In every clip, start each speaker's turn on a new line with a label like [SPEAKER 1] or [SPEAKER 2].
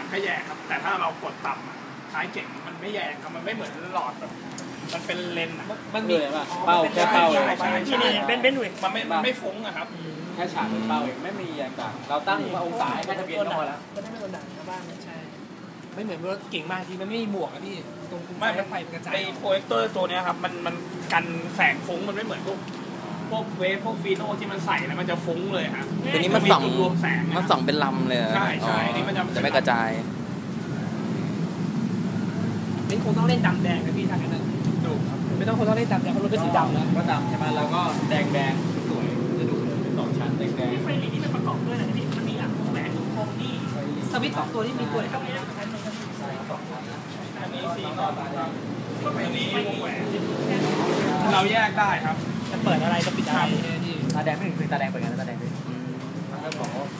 [SPEAKER 1] ก็แยกครับแต่ถ้าเรากดต่ำท้ายเก่งมันไม่แยกครับมันไม่เหมือนหลอดแบบมันเป็นเลน
[SPEAKER 2] มันมีเป้าแค่เป้าเอง
[SPEAKER 3] ที่นี่เป็นด้วย
[SPEAKER 1] มันไม่ฟุ้งอะครับ
[SPEAKER 2] แค่ฉากเป็นเป้าเองไม่มีอย่างต่างเราตั้งองศาให้ทะเบียนก็พอแล้ว
[SPEAKER 3] ก็ได้ไม่โดนด่าชาวบ้านใช่ไม่เหมือนรถเก่งมากที่มันไม่มีหมวกอะพี่ตรง
[SPEAKER 1] ไม่
[SPEAKER 3] ไฟกระจาย
[SPEAKER 1] ไอโปรเจคเตอร์ตัวนี้ครับมันกันแสงฟุ้งมันไม่เหมือนพวกเวฟพวกฟีโน่ที่มันใส่แล้วมันจะฟุ้งเลยครับ
[SPEAKER 4] ตัวนี้มันส่องรวมแสงมันส่องเป็นลำเลย
[SPEAKER 1] ใช่นี่มัน
[SPEAKER 4] จะไม่กระจาย
[SPEAKER 3] นี่คงต้องเล่นดำแดงนะพี่ทางนั้นดูครับไม่ต้องคงต้องเล่นดำแดงเพราะรถเป็นสีดำแล้ว
[SPEAKER 2] ก็ดำใช่ไหมแล้วก็แดงสวยจะดูเลยเป็น2ชั้นแดง
[SPEAKER 3] ไฟลีนี่มันประกอบด้วยอะไรพี่มันมีแหวนทุกโครงนี่สวิตช์2ตัวที่มีตัวเท่านี้
[SPEAKER 1] อันนี้สีก่อนก็เป็นนี้วงแหวนเราแยกได้ครับ
[SPEAKER 3] จะเปิดอะไรจะปิดอะไร
[SPEAKER 2] ตาแดงไม่ถึงคือตาแดงเป็นไงตาแดงด้วยมันก็บอกว่า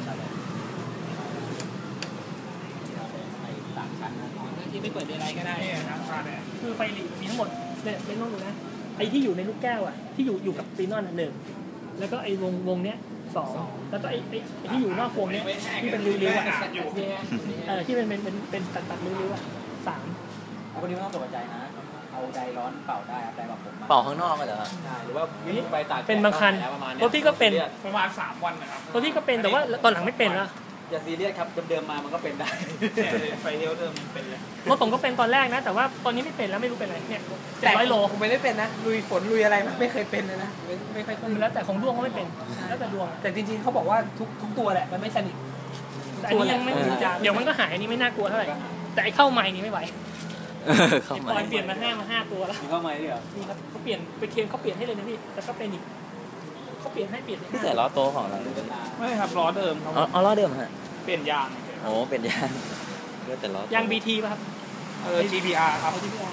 [SPEAKER 3] ที่ไม่เปิดอะไรก็ได้
[SPEAKER 1] นะ
[SPEAKER 3] คือไฟลีมีทั้งหมดเนี่ยไม่ต้องดูนะไอ้ที่อยู่ในลูกแก้วอ่ะที่อยู่กับฟีนอนหนึ่งแล้วก็ไอ้วงเนี้ย2แล้วก็ไอ้ที่อยู่นอกวงเนี้ยที่เป็นริ้วๆอ่ะที่เป็นตัดริ้วๆอ่ะ3
[SPEAKER 2] คนนี้ไม่ต้องตกใจนะเอาไดร้อนเป่าได้ครับไดแบบผม
[SPEAKER 4] เป่าข้างนอกเหรอ
[SPEAKER 2] ใช่หรือว่าวิ่งไปตาก
[SPEAKER 3] เป็นบางคันรถพี่ก็เป็น
[SPEAKER 1] ประมาณ3 วันนะครับ
[SPEAKER 3] รถพี่ก็เป็นแต่ว่าตอนหลังไม่เป็นแล้ว
[SPEAKER 2] อย่าซีเรียสครับเดิมๆมามันก็เป็นได้
[SPEAKER 1] ไฟเลี้ยวเดิมเป็นเลย
[SPEAKER 3] รถผมก็เป็นตอนแรกนะแต่ว่าตอนนี้ไม่เป็นแล้วไม่รู้เป็นอะไรเนี่ย700 โล
[SPEAKER 5] ผมไม่ได้เป็นนะลุยฝนลุยอะไรไม่เคยเป็นเลยนะไม่เคย
[SPEAKER 3] เป็นแล้วแต่ของดวงก็ไม่เป็นแล้วแต่ดวง
[SPEAKER 5] แต่จริงๆเขาบอกว่าทุกตัวแหละมันไม่สนิท
[SPEAKER 3] อันนี้ยังไม่เดี๋ยวมันก็หายอันนี้ไม่น่ากลัวเท่าไหร่แต่ไอ้เข้าใหม่นี่ไม่ไหวเข้าใหม่เปลี่ยนมา5ตัวแล้ว
[SPEAKER 2] เข้าใหม่ด้วยเหรอ
[SPEAKER 3] นี่ครับเขาเปลี่ยนไปเคนเขาเปลี่ยนให้เลยนะพี่แต่ก็เป็นอีกเขาเปลี่ยนให้
[SPEAKER 4] พี่ใส่ล้อโตของเรา
[SPEAKER 1] ไม่ครับล้อเดิมครับ
[SPEAKER 4] อ๋อล้อเดิมฮะ
[SPEAKER 1] เปลี่ยนยาง
[SPEAKER 4] โอ้เปลี่ยนยางก็แต่ล้อย
[SPEAKER 3] าง BT ป่ะครับ
[SPEAKER 1] GPR ครับ
[SPEAKER 3] GPR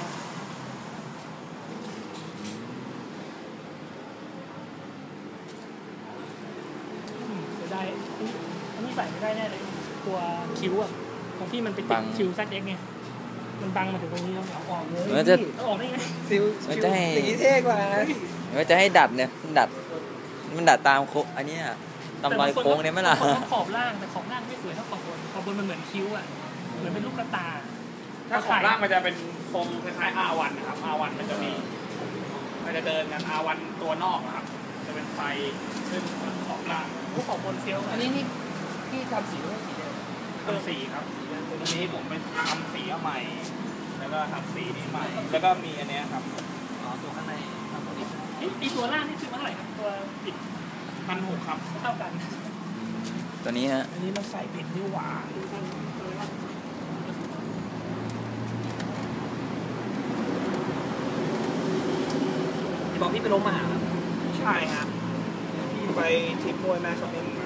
[SPEAKER 3] จะได้อันนี้ใส่ไม่ได้แน่เลยตัวคิ้วอ่ะของพี่มันไปติดคิ้ว ZX ไงมันบังมาถึงตรงนี้แล้วเอาออกเลย
[SPEAKER 4] มันจะ
[SPEAKER 3] ออกได้ไง
[SPEAKER 5] ซิลจะให้ตีเท่กว่า
[SPEAKER 4] มันจะให้ดัดเนี่ยมันดัดตามโค้งอันนี้ตามรอยโค้งเนี่ยไม่ล่ะ
[SPEAKER 3] ขอบล่างแต่ขอบล่างไม่สวยเท่าขอบบนมันเหมือนคิ้วอ่ะเหมือนเป็นลูกกระตา
[SPEAKER 1] ถ้าขอบล่างมันจะเป็นทรงคล้ายๆ R1 นะครับ R1 มันจะเดินกัน R1 ตัวนอกนะครับจะเป็นไฟขึ้นขอบล่าง
[SPEAKER 3] ขอบบนเซลล์
[SPEAKER 5] อันนี้นี่พี่ทำสีด้วยสีเดียว
[SPEAKER 1] ทำสีครับตัวนี้ผมไปทำสีใหม่แล้วก็ทำสีนี้ใหม่แล้วก็มีอันนี้ครับ
[SPEAKER 3] ตัวข้างในอีตัวล่างนี่ซื้อมาเท่าไหร่ครับตัวปิด
[SPEAKER 1] 1,600ครับ
[SPEAKER 3] เท่ากัน
[SPEAKER 4] ตัวนี้ฮะ
[SPEAKER 1] อันนี้มันใส่เพชรนี่หว่า
[SPEAKER 5] บอกพี่ไปลงมาหา
[SPEAKER 1] ใช่ฮะพี่ไปทริปมวยแม่ชมิน